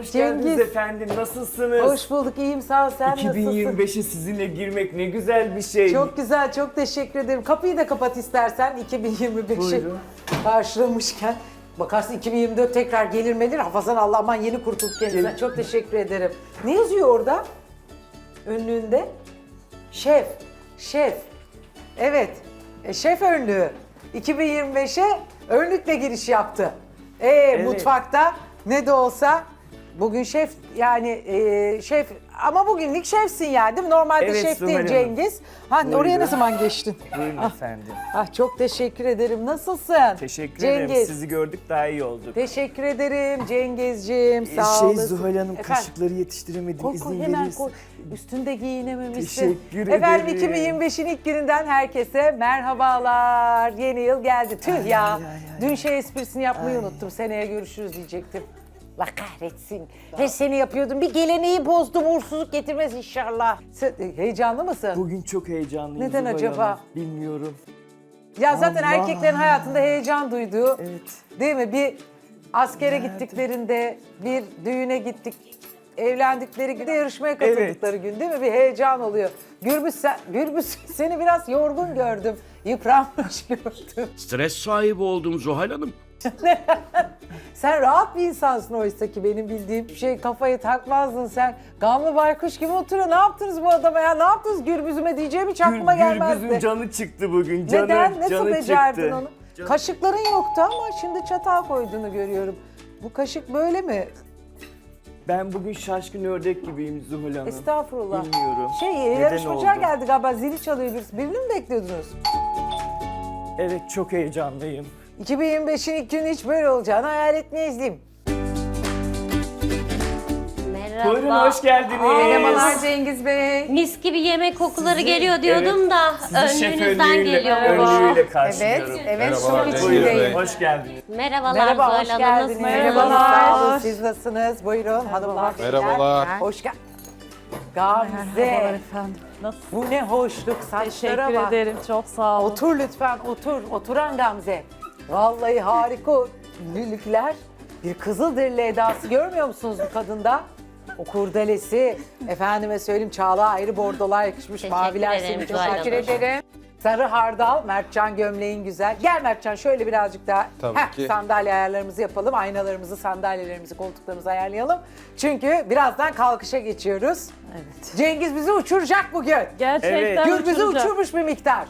hoş geldiniz Cengiz. efendim. Nasılsınız? Hoş bulduk, iyiyim sağ ol. Sen nasılsın? 2025'e sizinle girmek ne güzel bir şey. Çok güzel, çok teşekkür ederim. Kapıyı da kapat istersen 2025'i Buyurun. karşılamışken. Bakarsın 2024 tekrar gelir melir. Hafazan Allah aman yeni kurtulduk kendisinden. Çok teşekkür ederim. Ne yazıyor orada? Önlüğünde? Şef. Şef. Evet. Şef önlüğü. 2025'e önlükle giriş yaptı. Mutfakta ne de olsa bugün şef yani şef ama bugünlük şefsin yani değil mi? Normalde Evet, şef Zuhal değil Hanım. Cengiz. Buyurun. Oraya ne zaman geçtin? Buyurun efendim. Çok teşekkür ederim. Nasılsın? Teşekkür ederim. Cengiz. Sizi gördük daha iyi olduk. Teşekkür ederim Cengizciğim. Sağ olasın. Zuhal Hanım Efendim? kaşıkları yetiştiremedim. Koy, İzin hemen verirsin. koy. Üstünde giyinememişsin. Teşekkür Efendim ederim. 2025'in ilk gününden herkese merhabalar. Yeni yıl geldi. Tüh ya. Dün esprisini yapmayı unuttum. Seneye görüşürüz diyecektim. Allah kahretsin. Her sene yapıyordum. Bir geleneği bozdum. Uğursuzluk getirmez inşallah. Sen, heyecanlı mısın? Bugün çok heyecanlıyım Neden Zuhal acaba? Hanım. Bilmiyorum. Ya zaten Allah. erkeklerin hayatında heyecan duyduğu, Evet. değil mi? Bir askere gittiklerinde, bir düğüne gittik, evlendikleri gün, de yarışmaya katıldıkları gün değil mi? Bir heyecan oluyor. Gürbüz seni biraz yorgun gördüm, yıpranmış gördüm. Stres sahibi oldum Zuhal Hanım. Sen rahat bir insansın oysa ki benim bildiğim şey kafayı takmazdın sen. Gamlı baykuş gibi oturuyor. Ne yaptınız bu adama ya? Ne yaptınız Gürbüz'üme diyeceğim hiç aklıma gelmezdi. Gürbüz'ün canı çıktı bugün. Canı, Neden? Nasıl canı becerdin çıktı. onu? Kaşıkların yoktu ama şimdi çatal koyduğunu görüyorum. Bu kaşık böyle mi? Ben bugün şaşkın ördek gibiyim Zuhal Hanım. Estağfurullah. Bilmiyorum. Neden Yarışmacılar oldu? geldi galiba. Zili çalıyor birisi. Birini mi bekliyordunuz? Evet çok heyecanlıyım. 2025'in ilk günü hiç böyle olacağını hayal etmeyizdim. Merhaba. Buyurun hoş geldiniz. Merhabalar Cengiz Bey. Mis gibi yemek kokuları geliyor diyordum da Sizi şef önlüğünüzden geliyor. önlüğüyle karşılıyorum. Evet, Merhabalar şok Cengiz içindeyim. Bey. Hoş geldiniz. Merhabalar Merhaba, hoş Zuhal Hanım. geldiniz. Nasılsınız? Merhabalar. Sağ olun. Siz nasılsınız? Buyurun hanımlar. Merhabalar. Hoş geldin. Gamze. efendim. Nasıl? Bu ne hoşluk. Saçlara Teşekkür bak. ederim. Çok sağ olun. Otur lütfen, otur. Oturan Gamze. Vallahi harika ünlülükler. Bir Kızılderili edası görmüyor musunuz bu kadında? O kurdelesi, efendime söyleyeyim Çağla ayrı bordolar yakışmış, Teşekkür maviler ederim, seni çok Zuhal teşekkür Hanım. ederim. Sarı hardal, Mertcan gömleğin güzel. Gel Mertcan şöyle birazcık daha Tabii ki. sandalye ayarlarımızı yapalım. Aynalarımızı, sandalyelerimizi, koltuklarımızı ayarlayalım. Çünkü birazdan kalkışa geçiyoruz. Evet. Cengiz bizi uçuracak bugün. Gerçekten Gürbüz'ü uçuracak. uçurmuş bir miktar.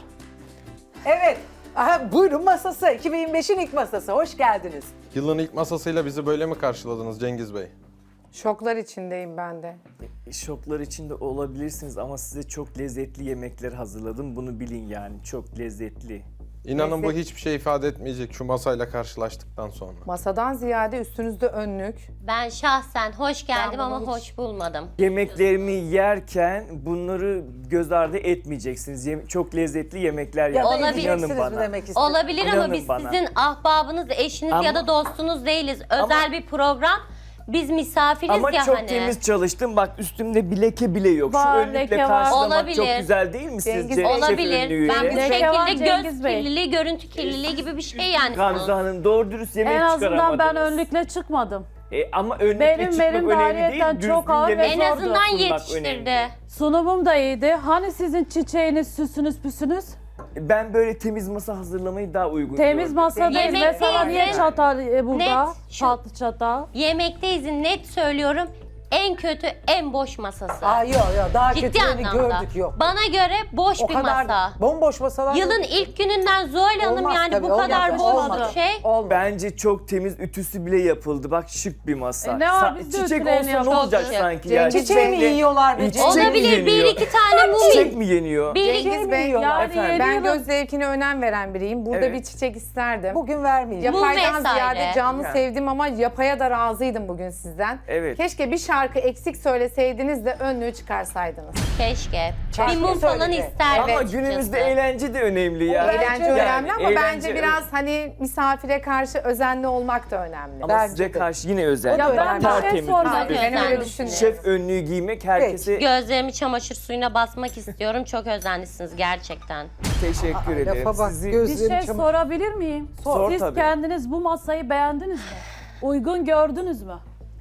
Evet. Aha, buyurun masası. 2025'in ilk masası. Hoş geldiniz. Yılın ilk masasıyla bizi böyle mi karşıladınız Cengiz Bey? Şoklar içindeyim ben de. Şoklar içinde olabilirsiniz ama size çok lezzetli yemekler hazırladım. Bunu bilin yani çok lezzetli. İnanın bu hiçbir şey ifade etmeyecek şu masayla karşılaştıktan sonra. Masadan ziyade üstünüzde önlük. Ben şahsen hoş geldim Ben ama bunu hoş bulmadım. Yemeklerimi yerken bunları göz ardı etmeyeceksiniz. Çok lezzetli yemekler Ya da yaptım. Olabilir. İnanın edeceksiniz mi bana. demek istedim? Olabilir ama İnanın biz bana. sizin ahbabınız, eşiniz Ama- ya da dostunuz değiliz. Özel bir program. Biz misafiriz Ama ya çok hani. temiz çalıştım. Bak üstümde bir leke bile yok. Var, Şu önlükle leke var. karşılamak Olabilir. çok güzel değil mi Cengiz sizce? Bey. Şef Olabilir. önlüğüyle? Ben bu Leke var şekilde göz Cengiz Bey. kirliliği, görüntü kirliliği gibi bir şey yani. Gamze Hanım doğru dürüst yemek En azından ben çıkaramadınız. önlükle çıkmadım. Ama önlükle Benim çıkmak önemli değil. ayrıyeten Düzgün çok ağır ve yemek En zordu. azından sunmak yetiştirdi. önemli. Sunumum da iyiydi. Hani sizin çiçeğiniz, süsünüz, püsünüz? Ben böyle temiz masa hazırlamayı daha uygun Temiz gördüm. masadayız. Yemek Mesela değil niye de- çatal burada? Net şu- Tatlı çatal. Yemekteyiz net söylüyorum. En kötü, en boş masası. Yok daha Ciddi kötülerini anlamda. gördük yok. Bana göre boş O bir kadar masa. bomboş masalar Yılın yok. ilk gününden Zuhal Hanım Olmaz yani tabii, bu kadar olmaz, boş olmaz. bir şey. Olmaz. Bence çok temiz ütüsü bile yapıldı. Bak şık bir masa. Ne var, biz de Çiçek ütülerini olsa ne yapıyoruz. olacak Çok şık. sanki yani? Çiçeği mi yiyorlar be Çiçek mi Olabilir bir yeniyor? iki tane Çiçek mum. mi yeniyor? Bir Cengiz Bey, yiyorlar. Yani Efendim? yeni ben yılın- göz zevkine önem veren biriyim. Burada Evet. bir çiçek isterdim. Bugün vermeyeceğim. Yapaydan vesaire. ziyade canlı Yani. sevdim ama yapaya da razıydım bugün sizden. Evet. Keşke bir şarkı eksik söyleseydiniz de önlüğü çıkarsaydınız. Keşke. Şarkı Bir mum falan söyledi. isterdim Ama açıkçası. günümüzde eğlence de önemli ya. Eğlence Yani önemli ama eğlence, bence biraz hani misafire karşı özenli olmak da önemli. Ama Bence size de. karşı yine özel. Ya ben bir şey Tertemiz. sormak bir- Ben öyle Özenli. düşünüyorum. Şef önlüğü giymek herkese Gözlerimi çamaşır suyuna basmak istiyorum. Çok özenlisiniz gerçekten. teşekkür ederim. Lafa bak, Sizi Bir gözlerim şey çamaşır. sorabilir miyim? Sor Siz tabii. kendiniz bu masayı beğendiniz mi? Uygun gördünüz mü?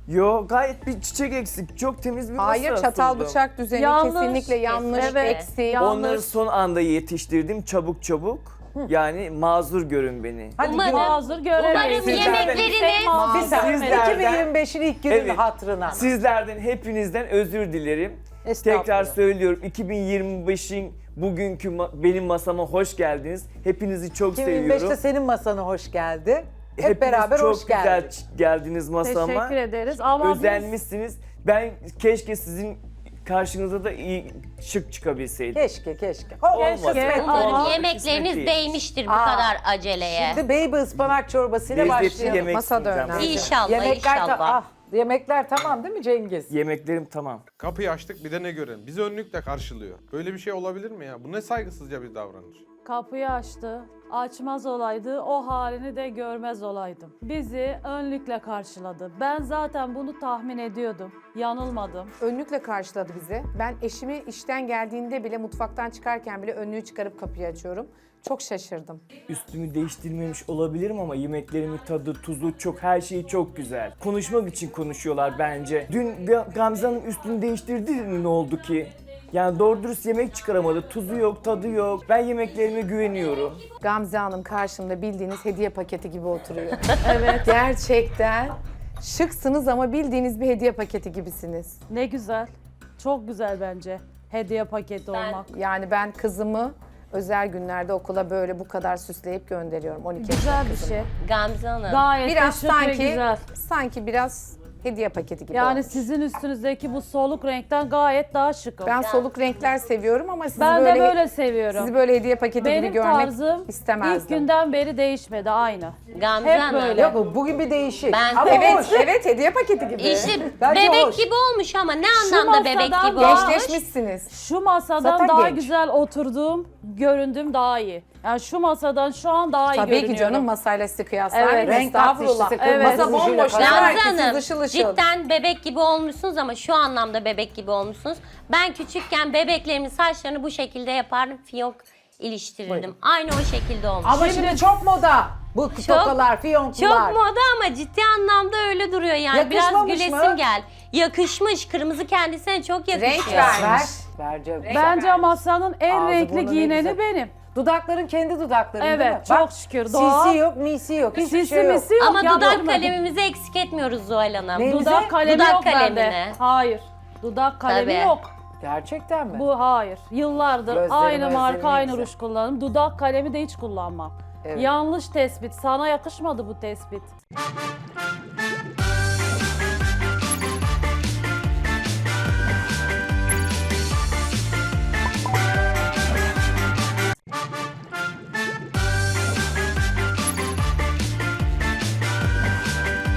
Yo gayet bir çiçek eksik. Çok temiz bir masa Hayır, çatal sundum. bıçak düzeni Yanlış. kesinlikle yanlış, Evet. eksik. Onları son anda yetiştirdim çabuk çabuk. Yani mazur görün beni. Hadi Umarım- gör- Hazır görelim. Umarım yemekleriniz Bir saniye. Sizlerden- 2025'in ilk günün Evet. hatırına. Sizlerden hepinizden özür dilerim. Estağfurullah. Tekrar söylüyorum 2025'in bugünkü benim masama hoş geldiniz. Hepinizi çok 2025'te seviyorum. senin masana hoş geldi. Hep Hepiniz beraber çok hoş geldik. güzel geldiniz masama. Teşekkür ederiz ama biz Özenmişsiniz. Ben keşke sizin karşınıza da iyi şık çıkabilseydim. Keşke. Keşke. Kısmet Ama- Umarım oldu. yemekleriniz kısmet değil. değmiştir bu Aa, kadar aceleye. Şimdi baby ıspanak çorbasıyla Lezzetli başlayalım. yemek Masa da sunacağım. önemli. İnşallah, Yemekler, inşallah. yemekler tamam değil mi Cengiz? Yemeklerim tamam. Kapıyı açtık bir de ne görelim. Bizi önlükle karşılıyor. Böyle bir şey olabilir mi ya? Bu ne saygısızca bir davranış. kapıyı açtı. Açmaz olaydı, o halini de görmez olaydım. Bizi önlükle karşıladı. Ben zaten bunu tahmin ediyordum. Yanılmadım. Önlükle karşıladı bizi. Ben eşimi işten geldiğinde bile, mutfaktan çıkarken bile önlüğü çıkarıp kapıyı açıyorum. Çok şaşırdım. Üstümü değiştirmemiş olabilirim ama yemeklerimin tadı, tuzu çok, her şeyi çok güzel. Konuşmak için konuşuyorlar bence. Dün Gamze Hanım üstünü değiştirdi mi, ne oldu ki? Yani doğru dürüst yemek çıkaramadı. Tuzu yok, tadı yok. Ben yemeklerime güveniyorum. Gamze Hanım karşımda bildiğiniz hediye paketi gibi oturuyor. Evet. Gerçekten şıksınız ama bildiğiniz bir hediye paketi gibisiniz. Ne güzel. Çok güzel bence. Hediye paketi olmak. Yani ben kızımı özel günlerde okula böyle bu kadar süsleyip gönderiyorum. 12 Güzel yaşında bir kızımı. şey. Gamze Hanım. Gayet Biraz de şık ve sanki, güzel. sanki biraz hediye paketi gibi Yani olmuş. sizin üstünüzdeki bu soluk renkten gayet daha şık. Ben soluk renkler seviyorum ama sizi Ben böyle, de böyle seviyorum. sizi böyle hediye paketi gibi Benim görmek tarzım istemezdim. ilk günden beri değişmedi aynı. Gamze Hep Hanım. böyle. Yok bugün bir değişik. Ben- Ama Evet, hoş. evet hediye paketi gibi. İşte Bence bebek hoş. gibi olmuş ama ne anlamda bebek masadan gibi daha- olmuş? Gençleşmişsiniz. Şu masadan Zaten daha genç. güzel oturduğum, göründüğüm daha iyi. Yani şu masadan şu an daha iyi Tabii görünüyorum. ki canım, masayla sizi kıyaslar. Evet. mıyım? Renk tatlı Estağfurullah. işte. Evet. Masa bomboş. Gamze Gamze Herkes Hanım ışıl ışıl. cidden bebek gibi olmuşsunuz ama şu anlamda bebek gibi olmuşsunuz. Ben küçükken bebeklerimin saçlarını bu şekilde yapardım. Fiyonk iliştirirdim. Aynı o şekilde olmuş. Ama şimdi çok moda. Bu tokalar, fiyonklar. Çok moda ama ciddi anlamda öyle duruyor yani. Biraz Yakışmamış gülesim mı? gel. Yakışmış. Kırmızı kendisine çok yakışıyor. Renk vermiş. Bence. Bence masanın en Ağzı renkli burnu ne giyineni güzel. benim. Dudakların kendi dudakların değil mi? Evet, çok şükür. Doğal. Sisi yok, misi yok. Hiçbir Sisi şey yok. misi yok. Ama dudak yaptırmadım. kalemimizi eksik etmiyoruz Zuhal Hanım. Ne? Dudak kalemi Dudak yok bende. kalemini. Hayır. Dudak kalemi Tabii. yok. Gerçekten mi? Bu hayır. Yıllardır Gözlerim, aynı gözlerim marka, ne aynı güzel. ruj kullanırım. Dudak kalemi de hiç kullanmam. Evet. Yanlış tespit. Sana yakışmadı bu tespit.